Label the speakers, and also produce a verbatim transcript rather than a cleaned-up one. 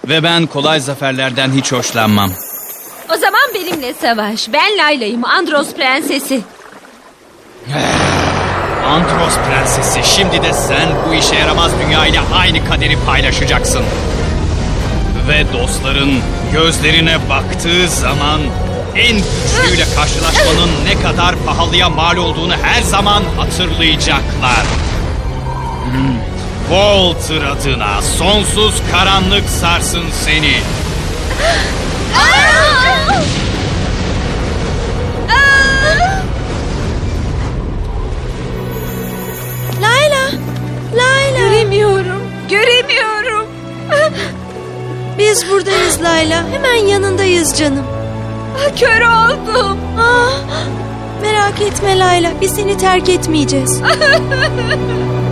Speaker 1: Ve ben kolay zaferlerden hiç hoşlanmam.
Speaker 2: O zaman benimle savaş. Ben Layla'yım, Andros prensesi.
Speaker 1: Andros prensesi, şimdi de sen bu işe yaramaz dünya ile aynı kaderi paylaşacaksın. Ve dostların gözlerine baktığı zaman en güçlüyle karşılaşmanın ne kadar pahalıya mal olduğunu her zaman hatırlayacaklar. Hmm. Walter adına sonsuz karanlık sarsın seni.
Speaker 3: Layla! Layla!
Speaker 2: Göremiyorum, göremiyorum.
Speaker 3: Biz buradayız Layla. Hemen yanındayız canım.
Speaker 2: Kör oldum.
Speaker 3: Ah, merak etme Layla. Biz seni terk etmeyeceğiz.